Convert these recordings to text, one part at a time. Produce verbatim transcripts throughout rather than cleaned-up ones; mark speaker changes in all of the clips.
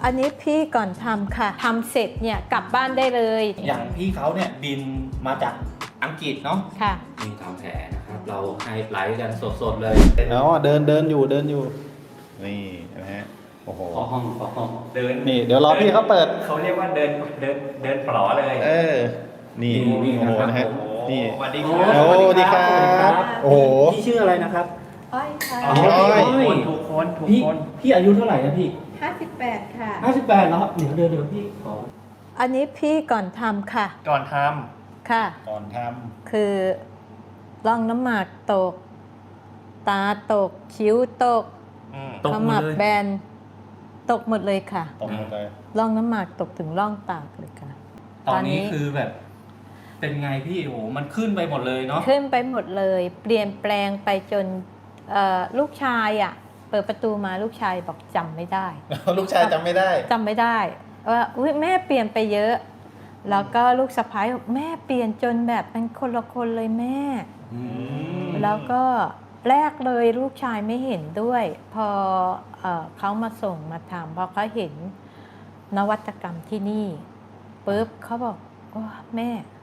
Speaker 1: อันนี้พี่ก่อนทำค่ะทำเสร็จเนี่ยกลับบ้านได้เลย
Speaker 2: อย่างพี่เขาเนี่ยบินมาจากอังกฤษเนาะ
Speaker 1: ค่ะ
Speaker 2: นี่ทำแผลนะครับเราให้ไลฟ์กันสดๆเลย
Speaker 3: อ๋อเดินเดินอยู่เดินอยู่นี่นะฮะโอ้โห
Speaker 2: ขอห้องขอห้องเดิน
Speaker 3: นี่เดี๋ยวรอพี่เขาเปิด
Speaker 2: เขาเรียกว่าเดินเดินเดินปลอเลย
Speaker 3: เออนี่โอ้โหนะฮะนี่
Speaker 2: สวัสดีค
Speaker 3: โอ้
Speaker 2: รับ
Speaker 3: สวัสดีครับโอ้โห
Speaker 2: พี่ชื่ออะไรนะครับ
Speaker 1: อ้อยค่ะ
Speaker 3: อ๋อ
Speaker 2: พี่คนถูกคนถูกคนพี่อายุเท่าไหร่นะพี่
Speaker 1: ห้าสิบแปดค่ะ
Speaker 2: ห้าสิบแปดแล้วเดี๋ยวเดี๋ยวเดี๋ยวพี่ขอ
Speaker 1: อันนี้พี่ก่อนทำค่ะ
Speaker 2: ก่อนท
Speaker 1: ค่ะ
Speaker 3: ก่อนท
Speaker 1: คือร่องน้ำหมากตก ตาตก คิ้วตก
Speaker 2: ำตก
Speaker 1: ข
Speaker 2: หม
Speaker 1: มั
Speaker 2: ด
Speaker 1: บ
Speaker 2: เลย
Speaker 1: แบน ตกหมดเลยค่ะ
Speaker 3: ำตรงหมดเลย
Speaker 1: ร่องน้ำหมากตกถึงร่องปากเลยค่ะ
Speaker 2: ตอนนี้คือแบบ เป็นไงพี่โอ้โหมันขึ้นไปหมดเลยเนาะ
Speaker 1: ขึ้นไปหมดเลย เปลี่ยนแปลงไปจนเอ่อลูกชายอ่ะ เปิดประตูมาลูกชายบอกจำไม่ได้
Speaker 3: ลูกชายจำไม่ได้
Speaker 1: จำไม่ได้ว่าอุ๊ยแม่เปลี่ยนไปเยอะ แล้วก็ลูกสะพ้ายบอกแม่เปลี่ยนจนแบบเป็นคนละคนเลยแม่
Speaker 2: อืม
Speaker 1: แล้วก็แรกเลยลูกชายไม่เห็นด้วย พอเออเขามาส่งมาทำพอเขาเห็นนวัตกรรมที่นี่ปุ๊บเขาบอกโอ้แม่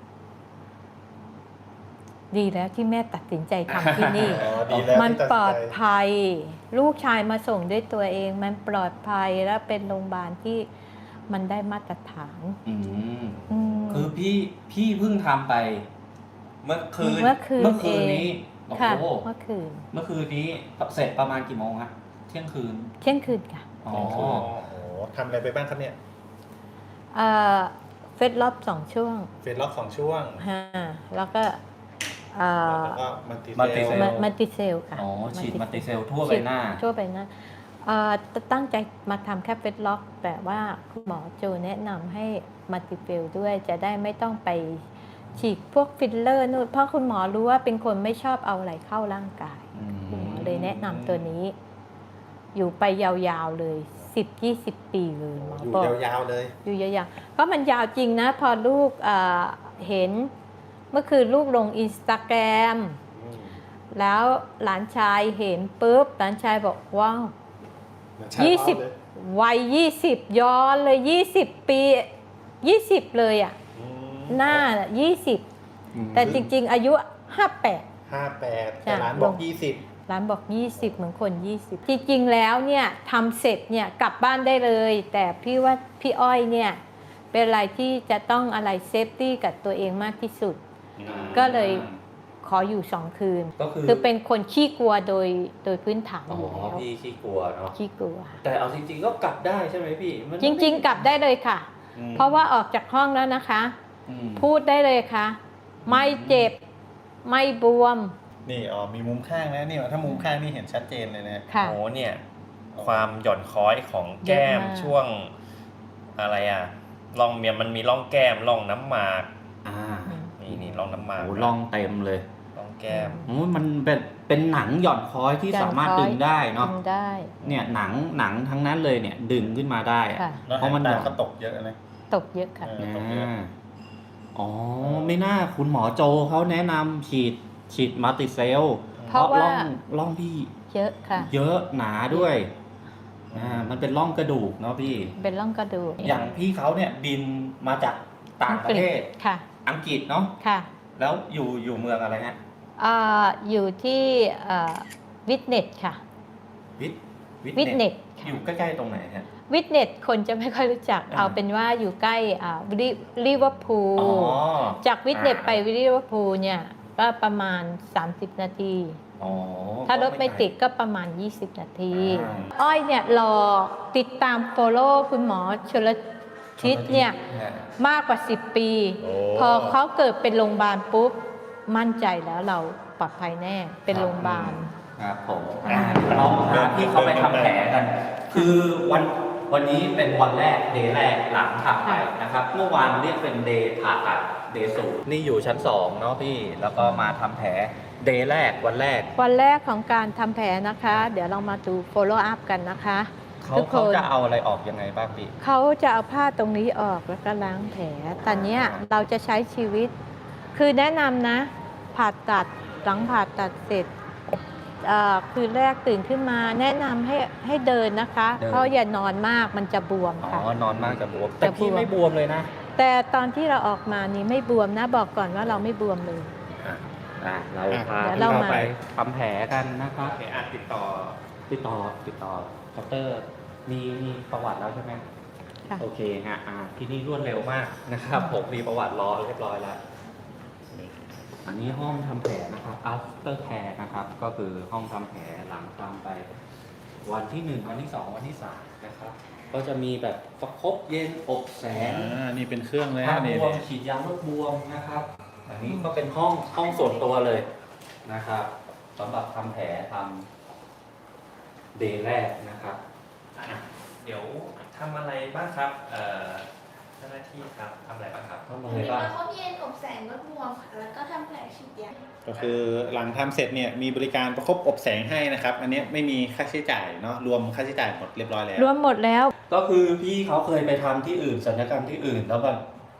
Speaker 1: ดีแล้วที่แม่ตัดสินใจทำที่นี่
Speaker 3: อ๋อดีแล้ว
Speaker 1: มัน
Speaker 3: ที่ตัดสินใจ
Speaker 1: ปลอดภัย ลูกชายมาส่งด้วยตัวเอง มันปลอดภัยและเป็นโรงพยาบาลที่มันได้มาตรฐาน
Speaker 2: อืม
Speaker 1: อืม
Speaker 2: คือพี่พี่เพิ่งทำไป เมื่อคืน
Speaker 1: เมื่อคืน
Speaker 2: เมื่อคืนนี้
Speaker 1: เอง
Speaker 2: โอ้
Speaker 1: ค่ะ
Speaker 2: โห
Speaker 1: เมื่อคืน
Speaker 2: เมื่อคืนนี้เสร็จประมาณกี่โมงฮะเที่ยงคืน
Speaker 1: เที่ยงคืนค่ะ
Speaker 2: อ๋อ
Speaker 3: โอ้โหทำอะไรไปบ้างครับเนี่ย
Speaker 1: เอ่อเฟสรอบสองช่วง
Speaker 3: เฟสล็อกสองช่วง
Speaker 1: ฮะแล้วก็เอ่อ
Speaker 3: แล้วก็มันติ
Speaker 2: มัลติเซล
Speaker 1: มามัลติเซลค่ะ
Speaker 2: อ๋อฉีดมัลติเซลทั่วใบ
Speaker 1: ฉีด
Speaker 2: หน้า
Speaker 1: ทั่วไปหน้าเอ่อตั้งใจมาทำแค่เฟสล็อก แต่ว่าคุณหมอโจแนะนำให้มัลติเฟลด้วยจะได้ไม่ต้องไปฉีดพวกฟิลเลอร์นู่นเพราะคุณหมอรู้ว่าเป็นคนไม่ชอบเอาอะไรเข้าร่างกาย
Speaker 2: อืม
Speaker 1: คุณหมอเลยแนะนำตัวนี้ อยู่ไปยาวๆเลยสิบยี่สิบปีเลยหมอ
Speaker 3: อยู่
Speaker 1: บอก
Speaker 3: ยาวๆเลย
Speaker 1: อยู่ยาวๆก็มันยาวจริงนะ พอลูกเอ่อเห็นเมื่อคืนลูกลงอินสตาแกรม
Speaker 3: อืม
Speaker 1: แล้วหลานชายเห็นปุ๊บหลานชายบอกว้าว
Speaker 3: ใช่
Speaker 1: ยี่สิบ
Speaker 3: เลย
Speaker 1: วัยยี่สิบย้อนเลยยี่สิบปียี่สิบเลยอ่ะ
Speaker 3: อืม
Speaker 1: หน้ายี่สิบ
Speaker 2: อืม
Speaker 1: แต่จริงๆอายุห้าแปด
Speaker 3: ห้าแปด
Speaker 1: จ้ะ
Speaker 3: แต่ร้านบอก
Speaker 1: ลง
Speaker 3: ยี่สิบ
Speaker 1: ร้านบอกยี่สิบเหมือนคนยี่สิบจริงๆแล้วเนี่ยทำเสร็จเนี่ยกลับบ้านได้เลย แต่พี่ว่าพี่อ้อยเนี่ยเป็นอะไรที่จะต้องอะไรเซฟตี้กับตัวเองมากที่สุด ก็เลยขออยู่สองคืน
Speaker 2: ก็คือ
Speaker 1: คือเป็นคนขี้กลัวโดยโดยพื้นฐาน
Speaker 2: อ๋อ
Speaker 1: อยู่แล้ว
Speaker 2: พี่ขี้กลัวเนาะ
Speaker 1: ขี้กลัว
Speaker 2: แต่เอาจริงๆก็กลับได้ใช่ไหมพี่มัน
Speaker 1: จริงๆ กลับได้เลยค่ะ
Speaker 3: อืม
Speaker 1: เพราะว่าออกจากห้องแล้วนะคะ
Speaker 2: อืม
Speaker 1: พูดได้เลยค่ะ ไม่เจ็บ ไม่บวม
Speaker 3: นี่อ๋อมีมุมข้างนะนี่ถ้ามุมข้างนี่เห็นชัดเจนเลยนะ
Speaker 1: ค่ะ
Speaker 4: โอ้เนี่ยความหย่อนคล้อยของแก้ม
Speaker 1: เยอะมาก
Speaker 4: ช่วงอะไรอ่ะร่องเมียมันมีร่องแก้มร่องน้ำหมาก
Speaker 2: อ่า
Speaker 4: นี่นี่ร่องน้ำหมาก
Speaker 2: โอ้ล่องเต็มเลย
Speaker 4: ร่องแก้ม
Speaker 2: โอ้มันเป็นเป็นหนังหย่อนคล้อยที่สามารถดึงได้เนาะ
Speaker 1: ดึงได้
Speaker 2: เนี่ยหนังหนังทั้งนั้นเลยเนี่ยดึงขึ้นมาได้อะ
Speaker 1: ค่ะ
Speaker 3: แล้ว
Speaker 2: เพราะมัน
Speaker 3: ตา
Speaker 2: หย่อน
Speaker 3: ก็ตกเยอะนะ
Speaker 1: ตกเยอะค่ะ
Speaker 3: เออ
Speaker 2: อ่าอ๋อไม่น่าคุณหมอโจเขาแนะนำฉีดฉีดมัลติเซล
Speaker 1: เพราะว่า
Speaker 2: ร่องร่องพี่
Speaker 1: เยอะค่ะ
Speaker 2: เยอะหนาด้วยอ่ามันเป็นร่องกระดูกเนาะพี่
Speaker 1: เป็นร่องกระดูก
Speaker 2: อย่างพี่เขาเนี่ยบินมาจากต่างประเทศ
Speaker 1: ค่ะ
Speaker 2: อังกฤษเนาะ
Speaker 1: ค่ะ
Speaker 2: แล้วอยู่อยู่เมืองอะไรฮะ
Speaker 1: อ่าอยู่ที่วิทเน็ตค่ะ
Speaker 2: วิท
Speaker 1: วิทเน็ต
Speaker 2: อ
Speaker 1: ค่ะ
Speaker 2: ยู่ใกล้ๆตรงไหนฮะ
Speaker 1: วิทเน็ตคนจะไม่ค่อยรู้จัก
Speaker 2: อ่า
Speaker 1: เอาเป็นว่าอยู่ใกล้อ่าลิลิเวอร์พูล
Speaker 2: อ๋อ
Speaker 1: จากวิทเน็ตไปลิเวอร์พูลเนี่ยก็ประมาณ สามสิบ นาที
Speaker 2: อ๋อ
Speaker 1: ถ้ารถไม่ติดก็ประมาณ ยี่สิบ นาที
Speaker 2: อ่า
Speaker 1: อ้อยเนี่ยรอติดตามโฟโล่คุณหมอชลทิศเนี่ย
Speaker 2: ฮะ
Speaker 1: มากกว่า สิบ ปี
Speaker 3: โอ้
Speaker 1: พอเขาเกิดเป็นโรงพยาบาลปุ๊บ มั่นใจแล้วเราปลอดภัยแน่เป็นโรงพยาบาล
Speaker 2: ครับผมอ่าเราพาพี่เขาไปทำแผลกัน คือวันวันนี้เป็นวันแรกเดย์แรกหลังทำไปนะครับ เมื่อวานเรียกเป็นเดย์ผ่าตัดเดย์ศูนย์นี่อยู่ชั้นสองเนาะพี่ แล้วก็มาทำแผลเดย์แรกวันแรก
Speaker 1: วันแรกของการทำแผลนะคะ เดี๋ยวเรามาดู follow up กันนะคะ
Speaker 2: เขา
Speaker 1: ทุกค
Speaker 2: เขา
Speaker 1: น
Speaker 2: จะเอาอะไรออกยังไงบ้างพี่
Speaker 1: เขาจะเอาผ้าตรงนี้ออกแล้วก็ล้างแผลตอนเนี้ยเราจะใช้ชีวิต คือแนะนำนะ ผ่าตัดหลังผ่าตัดเสร็จเอ่อคืนแรกตื่นขึ้นมาแนะนำให้ให้เดินนะคะ
Speaker 2: เดิน
Speaker 1: เพราะอย่านอนมากมันจะบวม
Speaker 2: อ๋
Speaker 1: ค่ะ
Speaker 2: อนอนมากจะบวมแต่พี่
Speaker 1: จะบวม
Speaker 2: ไม่บวมเลยนะ
Speaker 1: แต่ตอนที่เราออกมานี่ไม่บวมนะบอกก่อนว่าเราไม่บวมเลย
Speaker 2: อ่ะอ่ะเราพา
Speaker 1: เดี๋ยว
Speaker 2: พี่
Speaker 1: เรา
Speaker 2: เรา
Speaker 1: มา
Speaker 2: ไปทำแผลกันนะครับ
Speaker 4: โอเคอ่ะติดต่อ
Speaker 2: ติดต่อติดต่อเคาน์เตอร์มีมีประวัติแล้วใช่ไหม
Speaker 1: ค่ะ
Speaker 2: โอเคฮะอ่าที่นี่รวดเร็วมากนะครับ ผมมีประวัติรอเรียบร้อยแล้ว อันนี้ห้องทำแผลนะครับ after care นะครับ ก็คือห้องทำแผลหลังทำไป วันที่หนึ่งวันที่สองวันที่สามนะครับ ก็จะมีแบบประคบเย็นอบแสง
Speaker 3: อ่านี่เป็นเครื่องเลย
Speaker 2: ถ้า
Speaker 3: นะ
Speaker 2: บ
Speaker 3: นี่
Speaker 2: วม
Speaker 3: นี่
Speaker 2: ฉีดยาลดบวมนะครับ อันนี้ก็เป็นห้องห้องส่วนตัวเลยนะครับสำหรับทำแผลทำเดย์แรกนะครับ
Speaker 4: อ่ะเดี๋ยวทำอะไรบ้างครับเอ่อเจ้าหน้าที่ครับทำอะไรบ้างครับ
Speaker 2: ต้องมา
Speaker 5: มี
Speaker 2: เลยบ้าง
Speaker 5: ประคบเย็นอบแสงลดบวมค่ะแล้วก็ทำแผลฉีดยา
Speaker 3: ก็คือหลังทำเสร็จเนี่ยมีบริการประคบอบแสงให้นะครับ อันเนี้ยไม่มีค่าใช้จ่ายเนาะรวมค่าใช้จ่ายหมดเรียบร้อยแล้ว
Speaker 1: รวมหมดแล้ว
Speaker 2: ก็คือพี่เขาเคยไปทำที่อื่นศัลยกรรมที่อื่น แล้วแบบ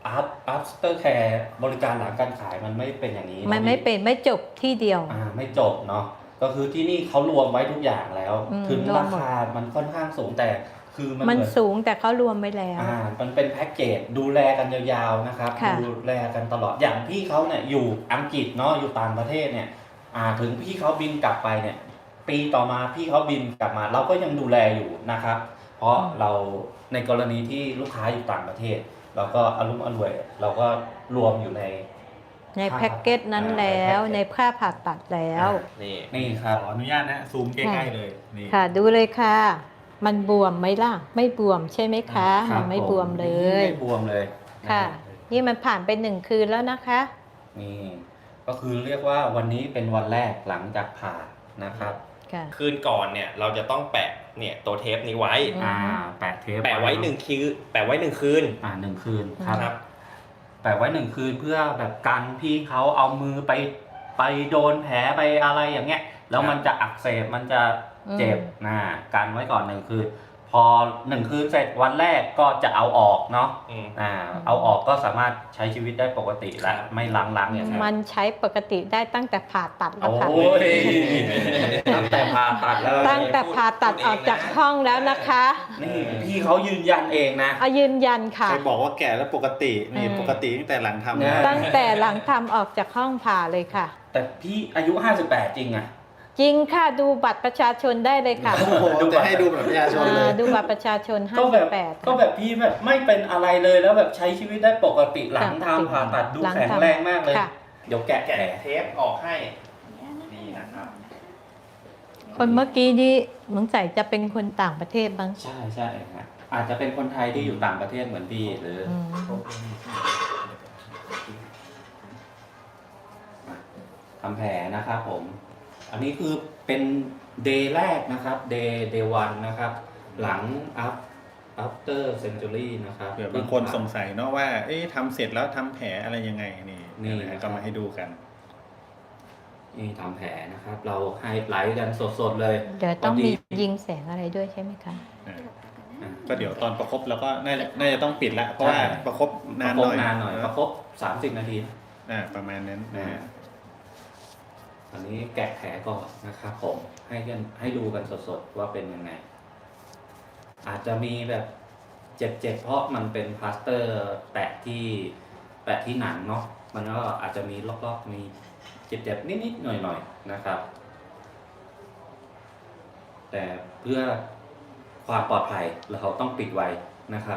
Speaker 2: after care บริการหลังการขายมันไม่เป็นอย่างนี้
Speaker 1: มันไม่เป็นไม่จบที่เดียว
Speaker 2: อ่าไม่จบเนาะก็คือที่นี่เขารวมไว้ทุกอย่างแล้ว
Speaker 1: อืม
Speaker 2: ถึง
Speaker 1: รว
Speaker 2: ราม
Speaker 1: หมด
Speaker 2: คามันค่อนข้างสูงแต่คือมัน
Speaker 1: มัน
Speaker 2: เหมือน
Speaker 1: สูงแต่เขารวมไว้แล้ว
Speaker 2: อ่ามันเป็นแพ็กเกจดูแลกันยาวๆนะครับ
Speaker 1: ค่ะ
Speaker 2: ดูแลกันตลอดอย่างพี่เขาเนี่ยอยู่อังกฤษเนาะอยู่ต่างประเทศเนี่ยอ่าถึงพี่เขาบินกลับไปเนี่ยปีต่อมาพี่เขาบินกลับมา เราก็ยังดูแลอยู่นะครับ เพราะเราในกรณีที่ลูกค้าอยู่ต่างประเทศ เราก็อารมณ์อร่วย เราก็รวมอยู่ใน
Speaker 1: ในแพ็กเกจนั้นแล้วในค่าผ่าตัดแล้ว
Speaker 4: นี่
Speaker 2: นี่ครับ
Speaker 3: ขออนุญาตนะซูมใกล้ๆเลยนี่
Speaker 1: ค่ะดูเลยค่ะ มันบวมไหมล่ะ ไม่บวมใช่ไหมคะ
Speaker 2: ครั
Speaker 1: มันไม่
Speaker 2: ผ
Speaker 1: บวมเลย
Speaker 2: ไม่บวมเลยน
Speaker 1: ค่ะ
Speaker 2: รับ
Speaker 1: นี่มันผ่านไปหนึ่งคืนแล้วนะคะ
Speaker 2: นี่ก็คือเรียกว่าวันนี้เป็นวันแรกหลังจากผ่านะครับ
Speaker 1: ค่ะ
Speaker 4: คืนก่อนเนี่ยเราจะต้องแปะเนี่ยตัวเทปนี้ไว้
Speaker 1: อืม
Speaker 2: อ่าแปะเทป
Speaker 4: แปะไว้หนึ่งคืนแปะไว้หนึ่งคืน
Speaker 2: อ่าหนึ่งคืนครับ
Speaker 4: ครับ
Speaker 2: แปะไว้หนึ่งคืนเพื่อแบบกันพี่เขาเอามือไปไปโดนแผลไปอะไรอย่างเงี้ยแล้วมันจะอักเสบมันจะเจ็บนะกันไว้ก่อนหนึ่งคืนพอหนึ่งคืนเสร็จวันแรกก็จะเอาออกเนาะ
Speaker 4: อืม
Speaker 2: อ่าเอาออกก็สามารถใช้ชีวิตได้ปกติแล้วไม่ล้างๆอย่างนั้น
Speaker 1: มันใช้ปกติได้ตั้งแต่ผ่าตัดแล้วค่ะ
Speaker 2: โอ้ยตั้งแต่ผ่าตัดแล้ว
Speaker 1: ตั้งแต่ผ่าตัดออกจากห้องแล้วนะคะ
Speaker 2: นี่พี่เขายืนยันเองนะ
Speaker 1: เอายืนยันค่ะ
Speaker 3: ใครบอกว่าแก่แล้วปกตินี่
Speaker 1: อืม
Speaker 3: ปกติตั้งแต่หลังทำ
Speaker 2: นะ
Speaker 3: นะ
Speaker 1: ตั้งแต่หลังทำออกจากห้องผ่าเลยค่ะ
Speaker 2: แต่พี่อายุห้าสิบแปดจริงอะ
Speaker 1: จริงค่ะดูบัตรประชาชนได้เลยค่ะ
Speaker 3: โอ้โหจะให้ดูแบบประชาชนเลย
Speaker 1: อ่าดูบัตรประชาชน
Speaker 2: ก็แบบ
Speaker 1: ห้าสิบแปด
Speaker 2: ก็แบบพี่แบบไม่เป็นอะไรเลยแล้วแบบใช้ชีวิตได้ปกติหลัง
Speaker 1: ค่ะ
Speaker 2: ทำผ่าตัดดู
Speaker 1: หลัง
Speaker 2: แข็ง
Speaker 1: ทำ
Speaker 2: แรงมากเลย
Speaker 1: ค่ะ
Speaker 2: เดี๋ยวแกะ
Speaker 4: แกะ
Speaker 2: แผล
Speaker 4: เทปออกให้ นี่นะครับ
Speaker 1: คนเมื่อกี้นี่สงสัยจะเป็นคนต่างประเทศบ้าง
Speaker 2: ใช่ใช่ฮะอาจจะเป็นคนไทยที่อยู่ต่างประเทศเหมือนพี่หรืออ
Speaker 1: อืม
Speaker 2: ทำแผลนะครับผม อันนี้คือเป็นเดย์แรกนะครับเดย์เดย์วันนะครับ หลัง up after century นะครับ
Speaker 3: เผื่อบางคนสงสัยเนาะว่า เอ๊ะทำเสร็จแล้วทำแผลอะไรยังไงนี่
Speaker 2: นี่
Speaker 3: นะฮะก็มาให้ดูกัน
Speaker 2: นี่ทำแผลนะครับ เราไฮไลท์กันสดๆเลย
Speaker 1: เดี๋ยวต้อง
Speaker 2: พ
Speaker 1: มี
Speaker 2: ดี
Speaker 1: ยิงแสงอะไรด้วยใช่ไหมคะ
Speaker 3: อ่า
Speaker 2: อ่ะ
Speaker 3: ก็เดี๋ยวตอนประคบเราก็น่าจะน่าจะต้องปิดละเพราะว่า
Speaker 2: ใช่
Speaker 3: ประคบ
Speaker 2: ป
Speaker 3: นาน
Speaker 2: ระค
Speaker 3: ห
Speaker 2: บ
Speaker 3: น่อย
Speaker 2: นานหน่อย
Speaker 3: เ
Speaker 2: ประคบสามสิบนาที
Speaker 3: อ่าประมาณนั้นนะฮะ
Speaker 2: อันนี้แกะแผลก่อนนะครับผมให้กันให้ดูกันสดๆว่าเป็นยังไง อาจจะมีแบบเจ็บๆเพราะมันเป็นพลาสเตอร์แปะที่แปะที่หนังเนาะมันก็อาจจะมีลอกๆมีเจ็บๆนิดๆหน่อยๆนะครับ แต่เพื่อความปลอดภัยเราต้องปิดไว้นะครับ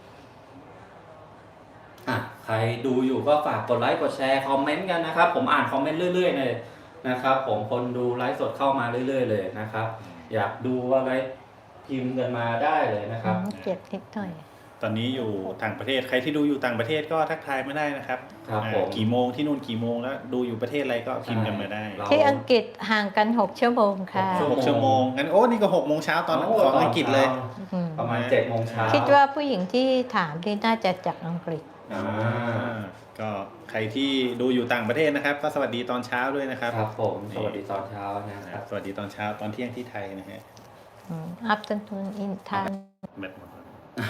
Speaker 2: อ่ะใครดูอยู่ก็ฝากกดไลค์กดแชร์คอมเมนต์กันนะครับ ผมอ่านคอมเมนต์เรื่อยๆเลยนะครับ ผมคนดูไลฟ์สดเข้ามาเรื่อยๆเลยนะครับ อยากดูอะไรพิมพ์กันมาได้เลยนะครับ
Speaker 1: อืมเจ็บนิดหน่อย
Speaker 3: ตอนนี้อยู่ต่างประเทศใครที่ดูอยู่ต่างประเทศก็ทักทายมาได้นะครับ
Speaker 2: ครับ
Speaker 3: อ่า
Speaker 2: ผม
Speaker 3: กี่โมงที่นู่นกี่โมงแล้วดูอยู่ประเทศอะไรก็พิมพ์กันมาได้
Speaker 2: เรา
Speaker 1: ที่อังกฤษห่างกันหกชั่วโมงค่ะ
Speaker 2: หกชั่ว
Speaker 3: หกชั่วโมงงั้นโอ้นี่ก็หกโมงเช้าตอน
Speaker 2: โ
Speaker 3: ของอังกฤษเลย
Speaker 1: อืม
Speaker 2: ประมาณเจ็ดโมงเช้า
Speaker 1: คิดว่าผู้หญิงที่ถามที่น่าจะจากอังกฤษ
Speaker 2: อ่า
Speaker 3: ก็ใครที่ดูอยู่ต่างประเทศนะครับ ก็สวัสดีตอนเช้าด้วยนะครับ
Speaker 2: ครับผมสวัสดีตอนเช้านะค
Speaker 3: ค
Speaker 2: รั
Speaker 3: รั
Speaker 2: บบ
Speaker 3: สวัสดีตอนเช้าตอนเที่ยงที่ไทยนะฮะ
Speaker 1: อืม afternoon in Thailand
Speaker 3: แบตหมดแล้ว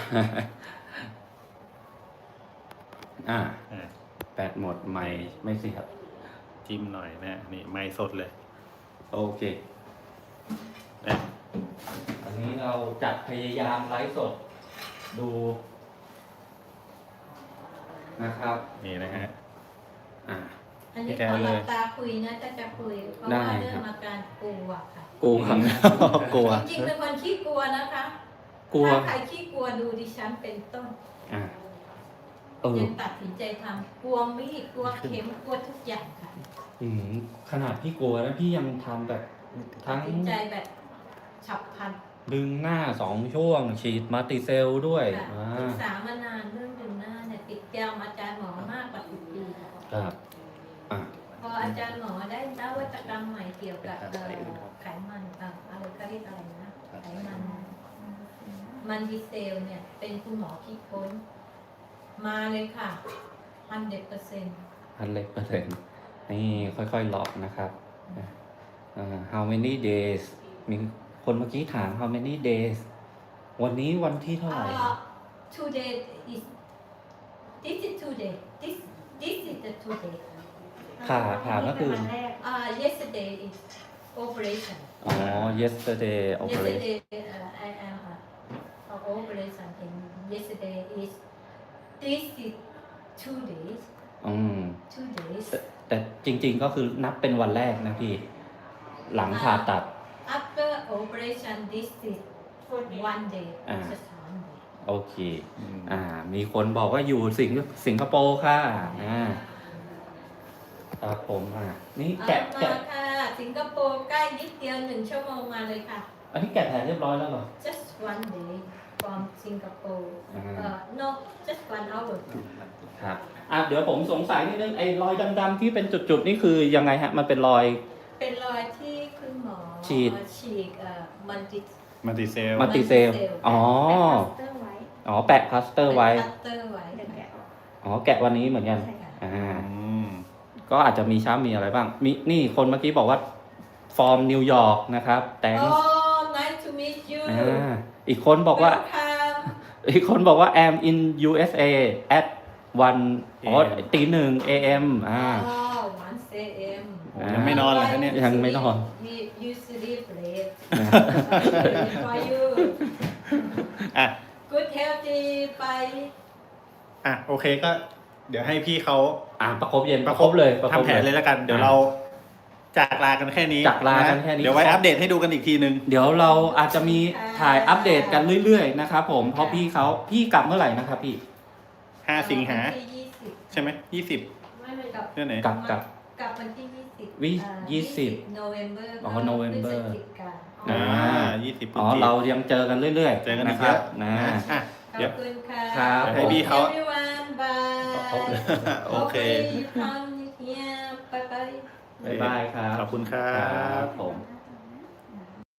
Speaker 2: อ่า
Speaker 3: อ่า
Speaker 2: แปดหมดไม่ไม่เสียบ
Speaker 3: จิ้มหน่อยนะฮะนี่ไม้สดเลย
Speaker 2: โอเค
Speaker 3: นะ
Speaker 2: อันนี้เราจัดพยายามไลฟ์สดดูนะครับ
Speaker 3: นี่นะฮะ
Speaker 2: อ่า
Speaker 1: อันนี้
Speaker 3: พี่แก
Speaker 1: ขอห
Speaker 3: เล
Speaker 1: ลั
Speaker 3: ย
Speaker 1: บตาคุยนะถ้าจะคุยเพราะ
Speaker 2: ได้
Speaker 1: ว่าเรื่อ
Speaker 2: ครั
Speaker 1: ง
Speaker 2: บ
Speaker 1: อาการกลัวค่ะ
Speaker 2: กลัว
Speaker 3: กลัว
Speaker 1: จริงๆเป็นคนขี้กลัวนะคะ
Speaker 2: กลัว
Speaker 1: ถ้าใครขี้กลัวดูดิฉันเป็นต้น
Speaker 2: อ่าเออ
Speaker 1: ยังตัดสินใจทำกลัวมีดกลัวเข็มกลัวทุกอย่างค่ะ
Speaker 2: อืมขนาดพี่กลัวนะพี่ยังทำแบบทั้ง
Speaker 1: ตัดสินใจแบบฉับพลัน
Speaker 2: ดึงหน้าสองช่วง ฉีดมัลติเซลล์ด้วย
Speaker 1: ค่ะ
Speaker 2: อ่า
Speaker 1: ศึกษามานานเรื่องดึงหน้าเนี่ยติดแก้วอาจารย์หมอมากกว่าสิบปีค่ะ
Speaker 2: ครับอ่า
Speaker 1: พออาจารย์หมอได้นวัตกรรมใหม่เกี่ยวกับเอ่อไขมันเอ่ออะไรก็เรียกอะไรนะไขมันมันดีเซลเนี่ยเป็นคุณหมอคิดค้น มาเลยค่ะพันเด็ดเปอร์เซ็นต์
Speaker 2: พันเล็กเปอร์เซ็นต์นี่ค่อยๆหลอกนะครับอ่า how many days มีคนเมื่อกี้ถาม how many days วันนี้วันที่เท่าไหร่
Speaker 1: today is this is today this this is the today
Speaker 2: ผ่าผ่าก็คือ
Speaker 1: อ่า yesterday is operation
Speaker 2: อ๋อ yesterday operation
Speaker 1: yesterday uh, I am uh, of operation and yesterday is this is two days
Speaker 2: อืม
Speaker 1: two days
Speaker 2: แต่แต่จริงๆก็คือนับเป็นวันแรกนะพี่ หลังผ่าตัด
Speaker 1: after operation this is one day
Speaker 2: อ่า
Speaker 1: just one day
Speaker 2: โอเค อ่า มีคนบอกว่าอยู่สิงสิงคโปร์ค่ะอ่าครับผมอ่านี่แกะ
Speaker 1: เอา
Speaker 2: แกะ
Speaker 1: มาค่ะสิงคโปร์ใกล้นิดเดียวหนึ่งชั่วโมงมาเลยค่ะ
Speaker 2: อันนี้แกะแผลเรียบร้อยแล้วเหรอ
Speaker 1: just one day from Singapore
Speaker 2: อ่า
Speaker 1: เอ่อ no just one hour
Speaker 2: ครับอ่ะเดี๋ยวผมสงสัยนิดนึงไอ้รอยดำๆที่เป็นจุดๆนี่คือยังไงฮะ มันเป็นรอย
Speaker 1: เป็นรอยที่คุณหมอ
Speaker 2: ฉีด
Speaker 1: ฉีดเอ่อมันติด
Speaker 3: มัลติเซล
Speaker 2: มัลติเซลอ๋อ
Speaker 5: เตอร์ไว้
Speaker 2: อ๋อ แปะพลาสเตอร์ไว้
Speaker 1: คัตเตอร์ไว้
Speaker 5: เดี๋ยวแกะออก
Speaker 2: อ๋อ แกะวันนี้เหมือนกัน
Speaker 5: ใช่ค่ะ
Speaker 2: อ่า
Speaker 3: อืม
Speaker 2: ก็อาจจะมีช้ำมีอะไรบ้าง มีนี่คนเมื่อกี้บอกว่า ฟอร์มนิวยอร์กนะครับ แต่
Speaker 1: โอ้ nice to meet you
Speaker 2: อ่าอีกคนบอกว่า
Speaker 1: welcome
Speaker 2: อีกคนบอกว่า am in ยู เอส เอ at one อ๋อตีหนึ่ง เอ เอ็ม อ่า
Speaker 1: อ๋อ one a.m.
Speaker 3: โอ้ยังไม่นอนเลยฮะเนี่ย
Speaker 2: ยังไม่นอน
Speaker 1: you you sleep late for you
Speaker 3: อ่ะ
Speaker 1: good healthy ไป
Speaker 3: อ่ะ โอเคก็ เดี๋ยวให้พี่เขา
Speaker 2: อ่าประคบเย็นประคบเลยประคบ
Speaker 3: ทำแผนเลยแล้วกัน เดี๋ยวเราจากลากันแค่นี้
Speaker 2: จากลากันแค่นี้
Speaker 3: เดี๋ยวไว้อัปเดตให้ดูกันอีกทีนึง
Speaker 2: เดี๋ยวเราอาจจะมีถ่ายอัปเดตกันเรื่อยๆนะครับผม เพราะพี่เขาพี่กลับเมื่อไหร่นะครับพี่
Speaker 3: ห้าสิงหา
Speaker 1: วันที่ยี่สิบ
Speaker 3: ใช่ไหมยี่สิบ
Speaker 1: ไม่ไม่กลับ
Speaker 3: เรื่องไหน
Speaker 2: กลับกลับ
Speaker 1: กลับวันที่ยี่สิบ
Speaker 2: วิ
Speaker 1: อ่า
Speaker 2: ยี่สิบ
Speaker 1: November
Speaker 2: อ๋อ November
Speaker 1: พฤศจิกา
Speaker 3: อ่ายี่สิบ
Speaker 2: อ๋อ เรายังเจอกันเรื่อยๆ
Speaker 3: เจอกันอี
Speaker 2: นะ
Speaker 3: ก
Speaker 2: ค
Speaker 3: เย
Speaker 2: รับ
Speaker 3: อะ
Speaker 2: นะ
Speaker 3: อ่ะ
Speaker 1: ข
Speaker 3: เดี๋
Speaker 1: อย บ
Speaker 3: ว
Speaker 1: คุณค่ะ
Speaker 2: ครับ
Speaker 3: ให้พี่เขา
Speaker 1: everyone bye
Speaker 3: โอเค
Speaker 1: Hopefully you come here bye bye
Speaker 2: บ๊ายบายครับ
Speaker 3: ขอบคุณครั
Speaker 2: ครับ บผม